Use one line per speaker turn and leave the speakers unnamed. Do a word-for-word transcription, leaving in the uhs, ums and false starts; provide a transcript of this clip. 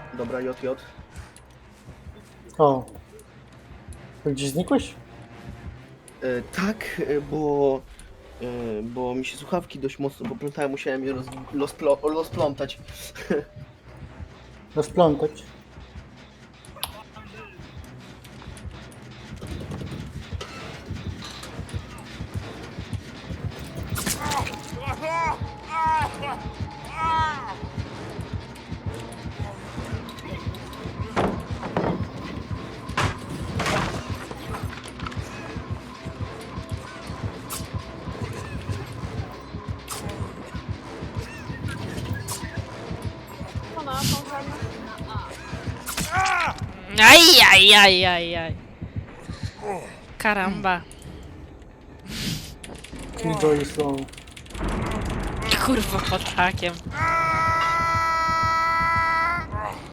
Dobra, J J.
O. To gdzieś znikłeś?
E, tak, e, bo, e, bo mi się słuchawki dość mocno poplątały, musiałem je roz, rozplo, rozplątać.
Rozplątać.
Aj, aj, aj, aj, aj. Karamba.
Killjoy są.
Kurwa, pod hakiem.